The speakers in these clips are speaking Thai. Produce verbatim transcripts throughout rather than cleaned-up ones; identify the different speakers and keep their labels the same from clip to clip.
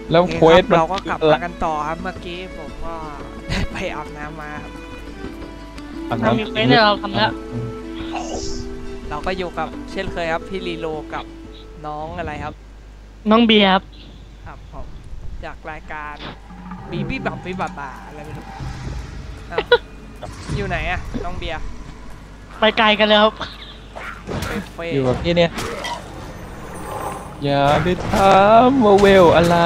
Speaker 1: แล้วเควส
Speaker 2: เราก็กลับมากันต่อครับเมื่อกี้ผมก็ได้ไปอาบน้ำมาครับ
Speaker 3: ทำมีเควสให้เราทำแล้ว
Speaker 2: เราก็อยู่กับเช่นเคยครับพี่ลีโลกับน้องอะไรครับ
Speaker 3: น้องเบียร์ครับ
Speaker 2: ครับผมจากรายการบีบี้บับบี้บับบาอะไรไม่รู้อยู่ไหนอะน้องเบียร์
Speaker 3: ไปไกลกันแล้วครับ
Speaker 1: อยู่กับพี่เนี่ยอย่าไปถามว่าเวลอะไร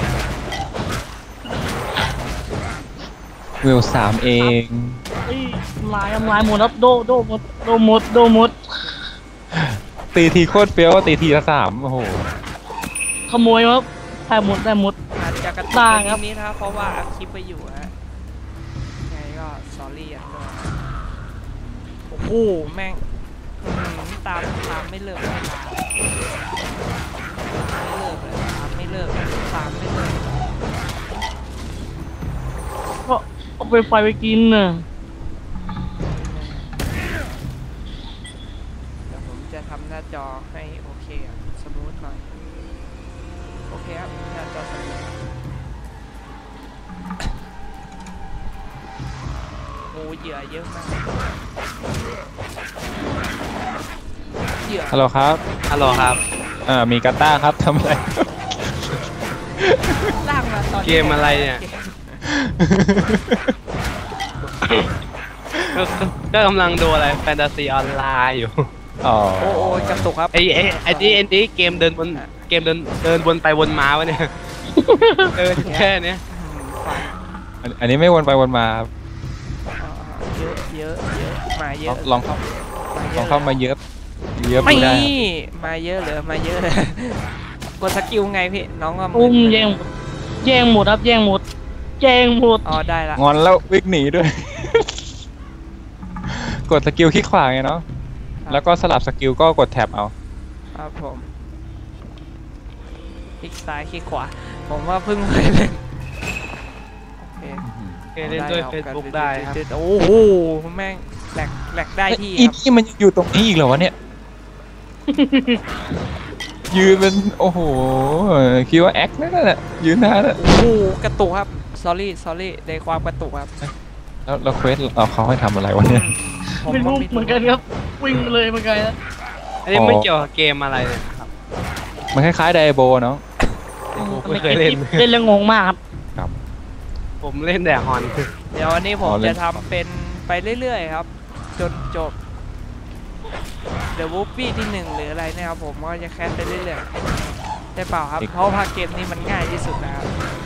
Speaker 1: เวลสามเอง
Speaker 3: ลายลายหมดครับโดโดหมดโดหมดโดหมด
Speaker 1: ตีทีโคตรเฟี้ยวตีทีละสามโอ้โห
Speaker 3: ขโมยครับได้หมดได้หมด
Speaker 2: อาจจะกระตุกนิดนี้นะครับเพราะว่าอัพคลิปไปอยู่ฮะไงก็สอรี่อ่ะโอ้โหแม่งตามตามไม่เลิกไม่เลิกเลยตามไม่เลิกตามไม่เลิก
Speaker 3: ก็เอาไปไฟไปกินน่ะ
Speaker 2: เดี๋ยวผมจะทำหน้าจอให้โอเคอ่ะสมูทหน่อยโอเคครับหน้าจอสมูทโอ้เหยื่อเยอะมากเหยื่อ
Speaker 1: ฮัลโหลครับ
Speaker 4: ฮัลโหลครับ
Speaker 1: อ่ามีกาต้าครับทำอะไร
Speaker 2: ล่างมาตอน
Speaker 4: เกมอะไรเนี่ยก็กำลังดูอะไรแฟนตาซีออนไลน์อยู่
Speaker 1: อ๋อ
Speaker 2: โอ้โหกระตุกครับ
Speaker 4: ไอ้ไอ้ไอ้นี่ไอ้นี่เกมเดินบนเกมเดินเดินวนไปวนมาวะเนี่ยเดินแค่นี้
Speaker 1: อันนี้ไม่วนไปวนมา
Speaker 2: เยอะเยอะเยอะมาเยอะ
Speaker 1: ลองเข้าลองเข้ามาเยอะเยอะ
Speaker 2: ไม่มาเยอะเลยมาเยอะเลยกดสกิลไงพี่น้องก็
Speaker 3: อุ้มแย่งแย่งหมดครับแย่งหมดแย่งหมด
Speaker 2: อ๋อได้ละ
Speaker 1: งอนแล้ววิ่งหนีด้วยกดสกิลคลิกขวาไงเนาะแล้วก็สลับสกิลก็กดแท็บเอา
Speaker 2: ครับผมคลิกซ้ายคลิกขวาผมว่าเพิ่งเคยเล่น
Speaker 4: เคยเล่นด้วยเฟซบุ๊กได้ครับ
Speaker 2: โอ้โหแม่งแหลกแหลกได้ที่
Speaker 1: อีนี่มันอยู่ตรงนี้อีกเหรอวะเนี่ยยืนเป็นโอ้โหคิดว่าแอคนั่นแหละยืนนานแล้ว
Speaker 2: โอ้โหกระตุกครับ sorry sorry ในความกระตุกครับ
Speaker 1: แล้วเราเควสเราเขาให้ทำอะไรวะเนี่ย
Speaker 3: ไม่รู้เหมือนกันครับวิ่งเลยเหมือนกันนะ
Speaker 4: อันนี้ไม่เกี่ยวกับเกมอะไรเลยครับ
Speaker 1: มันคล้ายๆไดโบเนาะ
Speaker 4: ไม่เคยเล่น
Speaker 3: เล่นแล้วงงมากครับ
Speaker 1: ครับ
Speaker 4: ผมเล่นแต่ฮอน
Speaker 2: เดี๋ยววันนี้ผมจะทำเป็นไปเรื่อยๆครับจนจบเดอะวูฟฟี่ที่หนึ่งหรืออะไรเนี่ยครับผมก็จะแคสไปเรื่อยๆได้เปล่าครับเพราะว่าเกมนี้มันง่ายที่สุดนะครับ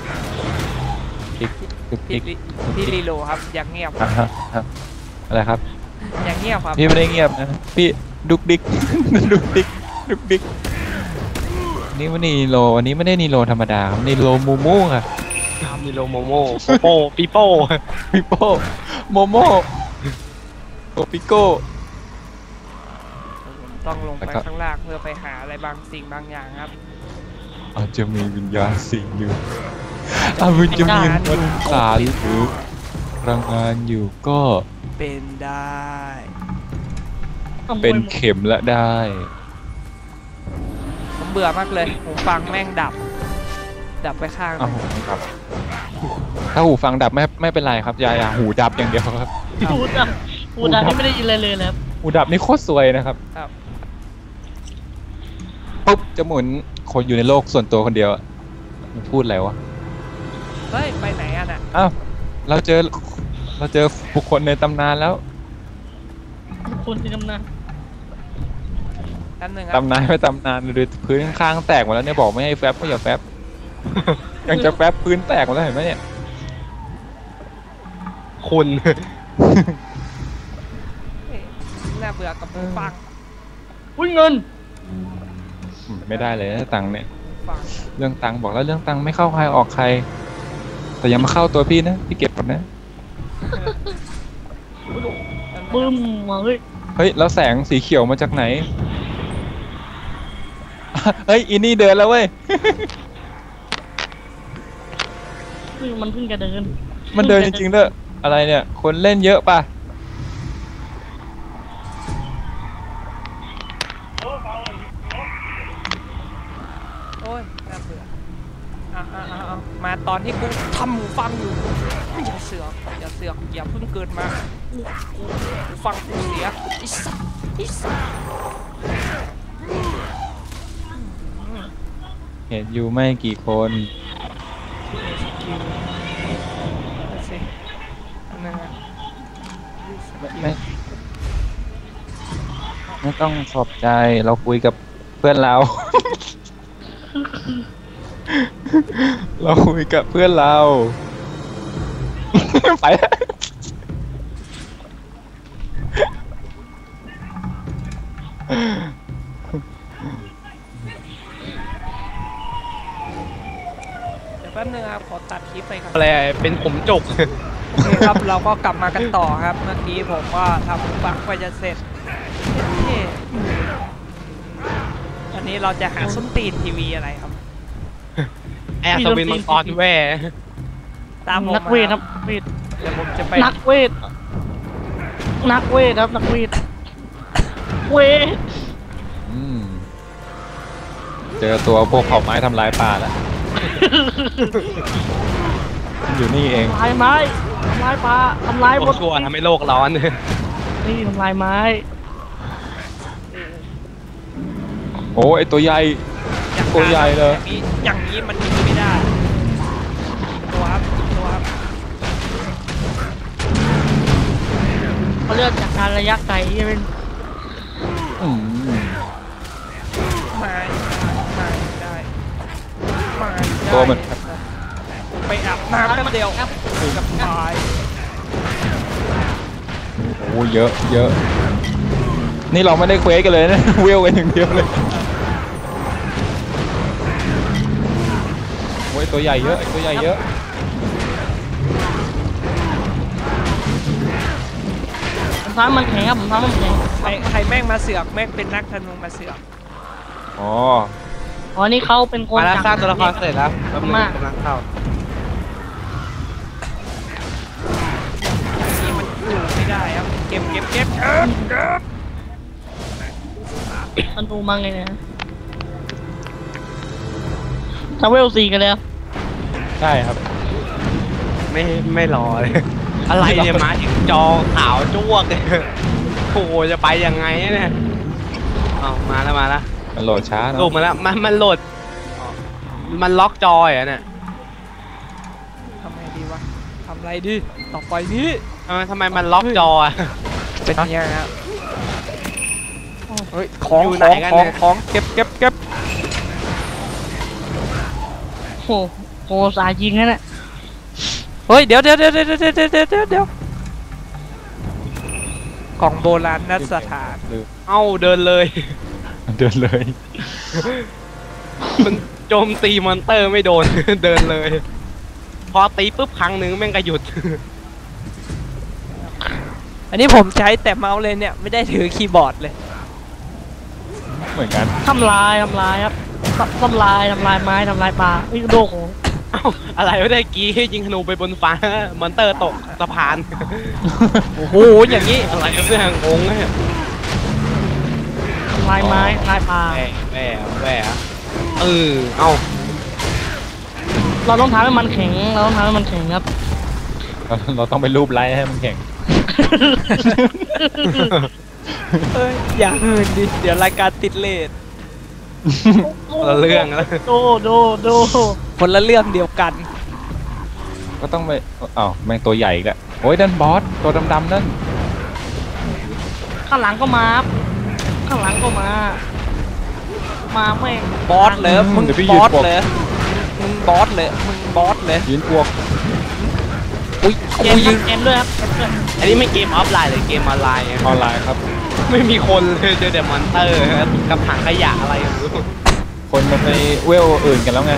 Speaker 2: พี่ลีโลครับอย่างเงียบ
Speaker 1: อะไรครับ
Speaker 2: อย่างเงียบครับ
Speaker 1: พี่ไม่ได้เงียบนะพี่ดุกดิกดุกดิกดุกดิกนี่มันนีโลวันนี้ไม่ได้นีโลธรรมดาครับนีโลมูมูค่ะ
Speaker 4: นีโลโมโม่โปปิโป้
Speaker 1: ปิโป้โมโม่โอปิโก้
Speaker 2: ต้องลงไปข้างล่างเพื่อไปหาอะไรบางสิ่งบางอย่างครับ
Speaker 1: อาจจะมีวิญญาณสิ่งอยู่อาจจะมีมนต์สารหรือพลังงานอยู่ก็
Speaker 2: เป็นได้
Speaker 1: เป็นเข็มละได้
Speaker 2: ผมเบื่อมากเลยหูฟังแม่งดับดับไปข้าง
Speaker 1: ครับถ้าหูฟังดับไม่ไม่เป็นไรครับยายาหูดับอย่างเดียวครับ
Speaker 3: หูดับหูดับนี่ไม่ได้ยินอะไรเลยครับ
Speaker 1: หูดับนี่โคตรสวยนะครับปุ๊บจะหมุนคนอยู่ในโลกส่วนตัวคนเดียวมันพูดอะไรวะ
Speaker 2: เฮ้ยไปไหนอ่ะน่ะ
Speaker 1: อ้าวเราเจอเราเจอบุคคลในตำนานแล้ว
Speaker 3: บุคคลในตำนาน
Speaker 1: ตำนานไม่ตำนานเลยพื้นข้างแตกหมดแล้วเนี่ยบอกไม่ให้แฟบก็อย่าแฟบยังจะแฟบพื้นแตกหมดแล้วเห็นไหมเนี่ย
Speaker 4: คุณ
Speaker 2: น่าเบื่อกับฟัง
Speaker 3: อุ้ยเงิน
Speaker 1: ไม่ได้เลยตังค์เนี่ยเรื่องตังค์บอกแล้วเรื่องตังค์ไม่เข้าใครออกใครแต่ยังมาเข้าตัวพี่นะพี่เก็บก่อนนะ
Speaker 3: บึ้มมาเฮ้ย
Speaker 1: เฮ้ยแล้วแสงสีเขียวมาจากไหนเฮ้ยอินนี่เดินแล้วเว้ย
Speaker 3: มันเพิ่งจะเดิน
Speaker 1: มันเดินจริงๆเด้ออะไรเนี่ยคนเล่นเยอะป่ะ
Speaker 2: โอ้ยน่าเบื่ออ่ะอ่ะอ่ะอ่ะมาตอนที่กูทำหูฟังอยู่อย่าเสือกอย่าเสือกอย่าเพิ่งเกิดมากูกูหูฟังกูเสียไอ้สัสไอ้สัส
Speaker 1: เห็นอยู่ไม่กี่คน
Speaker 2: สิอันนั้นอะ
Speaker 1: ไม่ไม่ไม่ต้องขอบใจเราคุยกับเพื่อนเรา เราคุยกับเพื่อนเรา ไปแล้ว
Speaker 2: เดี๋ยวแป๊บนึงครับขอตัดคลิปไปครับ
Speaker 4: อะไรเป็นผมจก
Speaker 2: โอเคครับเราก็กลับมากันต่อครับเมื่อกี้ผมก็ทำหูฟังไปจะเสร็จนี่อันนี้เราจะหาส้นตีนทีวีอะไรครับ
Speaker 4: แอร์สวินมังกรแว่
Speaker 2: ตามผม
Speaker 3: นักเวทครับเวท
Speaker 2: เดี๋ยวผมจะไป
Speaker 3: นักเวทนักเวทครับนักเวทเวท
Speaker 1: อืมเจอตัวพวกเผ่าไม้ทำลายป่าแล้ว อยู่นี่เอง
Speaker 3: ทำลายไม้ทำลายปลาทำลาย
Speaker 4: พ
Speaker 3: บ
Speaker 4: วก
Speaker 3: น
Speaker 4: ชั่วทำให้โลกร้อน
Speaker 3: นี่ทำลายไม้
Speaker 1: โอ้ไอตัวใหญ่ ตัวใหญ่เลย
Speaker 2: อย่างนี้อย่างนี้มันยิงไม่ได้ตัวครับตัวครับ
Speaker 3: เขาเลือกจากการระยะไกลที่เป็น
Speaker 1: อืม
Speaker 2: มามาได้มาได้
Speaker 1: ตัวมัน
Speaker 2: ไปอาบน้ำแป๊บเดียวกับตาย
Speaker 1: โอ้เยอะเยอะ นี่เราไม่ได้เควสกันเลยนะ เวลกันอย่างเดียวเลยโอ้ยตัวใหญ่เยอะไอ้ตัวใหญ่เยอะ
Speaker 3: ผมท้ามันแข็งครับผมท้ามันแข็ง
Speaker 2: ใครใครแม่งมาเสือกแม่งเป็นนักธนูมาเสือก
Speaker 1: อ๋อ
Speaker 3: อ๋อนี่เขาเป็นคน
Speaker 4: มาแล้วสร้าง
Speaker 3: จ
Speaker 4: ตัวละครเสร็จแล้วกำลังกำลังเข้า
Speaker 2: นี่มันอยู่ไม่ได้ครับเก็บเก็บเก็บเก็บเก็บ
Speaker 3: มันดูมังไงเนี่ยทาวเวลซีกันแล้ว
Speaker 1: ใช่ครับ
Speaker 4: ไม่ไม่รอเลย อะไรเนี่ยมาถึงจอขาวจ้วกเลยโอ้โหจะไปยังไงเนี่ยเอามาแล้วมาแล้ว
Speaker 1: มันโหลดช้า
Speaker 4: ลูก
Speaker 1: เนาะ
Speaker 4: มาแล้วมันมันโหลด มันล็อกจอยอ่ะเนี่ย
Speaker 2: ทำไงดีวะทำอะไรดีต่อไปนี้
Speaker 4: ทำไมทำไมมันล็อกจออ่ะ
Speaker 2: เป็นยังไงครับเฮ้ยของ
Speaker 4: อยู่
Speaker 2: ข
Speaker 4: ไหน
Speaker 2: อง
Speaker 4: กัน
Speaker 2: ขอ
Speaker 4: เนี่
Speaker 2: ง
Speaker 4: ย
Speaker 2: ของเก็บเก็บเก็บ
Speaker 3: โอ้โหสายยิงนั่นแหละ
Speaker 2: เฮ้ยเดี๋ยวเดี๋ยวเดี๋ยวเดี๋ยวเดี๋ยวเดี๋ยวเดี๋ยวเดี๋ยวของโบราณนสถาน
Speaker 1: ลืม
Speaker 4: เอ้าเดินเลย
Speaker 1: เดินเลย
Speaker 4: มันโจมตีมอนเตอร์ไม่โดน เดินเลย พอตีปุ๊บครั้งหนึ่งแม่งก็หยุด
Speaker 2: อันนี้ผมใช้แต่เมาส์เลยเนี่ยไม่ได้ถือคีย์บอร์ดเลย
Speaker 1: เหมือนกัน
Speaker 3: ทำลายทำลายครับทำลายทำลายไม้ทำลายปลาวิโดโห
Speaker 4: เอ้าอะไรไม่ได้กี้ยิงธนูไปบนฟ้า มอนเตอร์ตกสะพาน
Speaker 2: โอ้โหอย่างนี้
Speaker 4: อะไรกันเนี่ยงงเลย
Speaker 3: ทำลายไม้ทำลายปลา
Speaker 4: แหวแหวแหวเออเอ้า
Speaker 3: เราต้องทำให้มันแข็งเราต้องทำให้มันแข็งครับ
Speaker 1: เราเราต้องไปรูปไลท์ให้มันแข็ง
Speaker 2: เอ้ยอย่าเหินดิเดี๋ยวรายการติดเลท
Speaker 4: คนละเรื่องแล้ว
Speaker 3: โดโดโด
Speaker 2: คนละเรื่องเดียวกัน
Speaker 1: ก็ต้องไปอ้าวแม่งตัวใหญ่อีกแล้วโอ้ยนั่นบอสตัวดำๆนั่น
Speaker 3: ข้างหลังก็มาครับข้างหลังก็มา มาแม่ง
Speaker 2: บอสเลยมึงบอสเลยมึงบอสเลยมึงบอสเลย
Speaker 1: ยืนพวก
Speaker 2: อุ้ย
Speaker 3: เก
Speaker 2: กู
Speaker 3: ม
Speaker 2: ยืน
Speaker 3: เกมด้วยครับเกมด้วย
Speaker 4: อันนี้ไม่เกมออฟไลน์หรือเกมออนไลน์อะ
Speaker 1: ออนไลน์ครับ
Speaker 4: ไม่มีคนเลยเจอแต่มอนเตอร์กับถังขยะอะไรอย่างเงี้ย
Speaker 1: คนมันไปเวลอื่นกันแล้วไง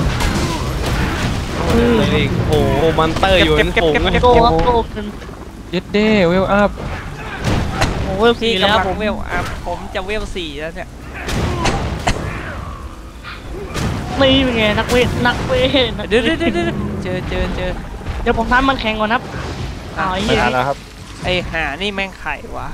Speaker 4: เลยโอ้โหมอนเตอร์อยู่ในฝูงเลย
Speaker 3: โดครับโดเป็น
Speaker 1: เย็ดเด้เวลอัพ
Speaker 3: โอ้โห
Speaker 2: ที่
Speaker 3: สี่แล้ว
Speaker 2: กำลั
Speaker 3: ผ
Speaker 2: ง
Speaker 3: ม
Speaker 2: เวลอ่ะผมจะเวลสี่แล้วเนี่ย
Speaker 3: นี่เป็นไงนักเวทนักเวทนัก
Speaker 2: เดี๋ยว
Speaker 3: ว
Speaker 2: เดี๋ยว
Speaker 3: ท
Speaker 2: เดี๋ยวเจอเจอเจอ
Speaker 3: เดี๋ยวผมทำมันแข็งก่อนครับอ้าวไอ้
Speaker 1: ไม่
Speaker 3: เหี้ย
Speaker 1: ทันแล้วครับ
Speaker 2: ไอหานี่แม่งไข่วะ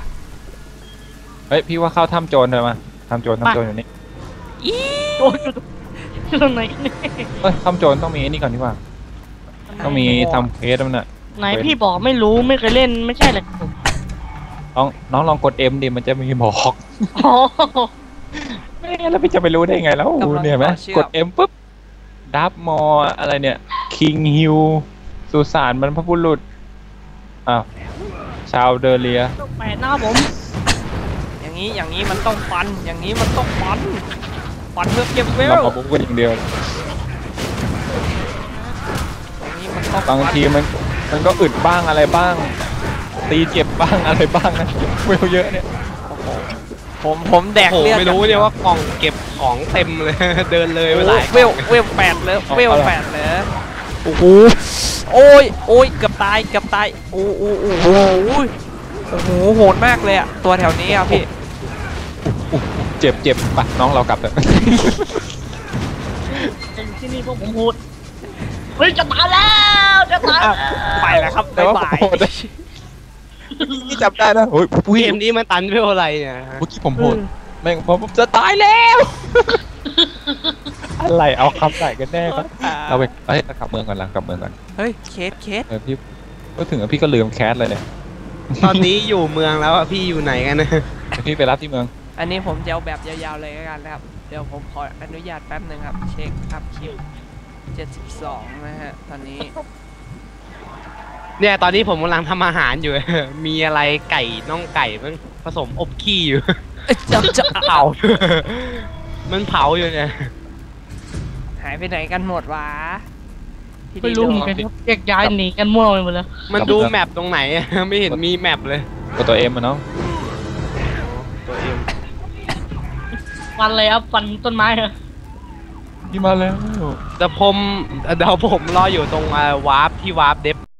Speaker 1: เฮ้ยพี่ว่าเข้าถ้ำโจรเลยมาถ้ำโจรถ้ำโจรอยู่นี่
Speaker 2: อี
Speaker 3: โดนตรงไหนเนี่ย
Speaker 1: เอ้ยทำโจรต้องมีไอ้นี่ก่อนดีกว่าต้องมีทำเคสมันน่ะ
Speaker 3: ไหนพี่บอกไม่รู้ไม่เคยเล่นไม่ใช่เลย
Speaker 1: น้องน้องลองกด M ดิมันจะมีบอก
Speaker 3: อ๋อ
Speaker 1: ไม่งั้นแล้วพี่จะไปรู้ได้ไงแล้วเนี่ยไหมกด M ปุ๊บดับมออะไรเนี่ยคิงฮิวสุสานบรรพบุรุษอ้าวชาวเดอเรีย
Speaker 3: แปดหน้าผม
Speaker 2: อย่างนี้อย่างนี้มันต้องฟัน อย่างนี้มันต้องฟัน ฟันเพื่อเก็บเว
Speaker 1: เรา
Speaker 2: ล
Speaker 1: มาบุกกันอย่างเดียว
Speaker 2: อย่างนี้มันต้อง
Speaker 1: บาง
Speaker 2: ฟัน
Speaker 1: ทีมันมันก็อึดบ้างอะไรบ้าง ตีเจ็บบ้างอะไรบ้างนะเวลเยอะเนี่ย
Speaker 2: ผมผมแดก
Speaker 4: โอ้โห
Speaker 2: เลือด
Speaker 4: ไม่รู้เนี่ยว่ากล่องเก็บของเต็มเลย เดินเลยไปหลาย
Speaker 2: เวลเวลแปดเลยเวลแปดเลยโอ้โหโอ้ยโอ้ยเกือบตายเกือบตายโอ้โหโอ้โหโอ้โหโหดมากเลยอะตัวแถวนี้ครับพี่
Speaker 1: อุ๊ยเจ็บเจ็บไปน้องเรากลับเถอะ
Speaker 3: ที่นี่พวกผมพูดเฮ้ยจะตายแล้วจะตาย
Speaker 2: อ่ะไปแล้วครับ
Speaker 1: แต่
Speaker 2: บ๊าย
Speaker 1: ว่า
Speaker 2: บาย
Speaker 1: ผมโหดนะนี่จับได้นะโอ้ย
Speaker 4: เกมนี้มันตันเพื่ออะไรเนี่ยฮะ
Speaker 1: เมื่อกี้ผมโหดแม่งผมจะตายแล้ว อะไรเอาคำไหนกันแน่ครับเราไปเอ้ยกลับเมืองก่อนหลังกลับเมืองก่อน
Speaker 2: เฮ้ยเคสเคส
Speaker 1: เออพี่ก็ถึงอะพี่ก็ลืมแคสเลยเนี่ย
Speaker 4: ตอนนี้อยู่เมืองแล้วอะพี่อยู่ไหนกันนะ
Speaker 1: เดี๋ยวพี่ไปรับที่เมือง
Speaker 2: อันนี้ผมจะเอาแบบยาวๆเลยแล้วกันนะครับ เดี๋ยวผมขออนุญาตแป๊บหนึ่งครับ เช็คอัพคิวเจ็ดสิบสองนะฮะ ตอนนี้
Speaker 4: เนี่ยตอนนี้ผมกำลังทำอาหารอยู่ มีอะไรไก่น่องไก่มันผสมอบขี้อยู่
Speaker 2: เอ้ยจะจะ
Speaker 4: เผา มันเผาอยู่เนี่ย
Speaker 2: หายไปไหนกันหมดวะพี่
Speaker 3: ไม่
Speaker 2: ดี
Speaker 3: รู้
Speaker 2: โด
Speaker 3: เหมือนกันครับแยกย้ายหนีกันมั่วไปหมดแล้ว
Speaker 4: มันดูแมปตรงไหนอะ ไม่เห็นมีแมปเลย
Speaker 1: กดตัวเอ็มอะน้อง
Speaker 4: ตัวเอง
Speaker 3: ฟันเลยครับฟันต้นไม้เหรอ
Speaker 1: พี่มาแล้ว
Speaker 4: แต่ผมเดี๋ยวผมรออยู่ตรงวาร์ปที่วาร์ปเดฟ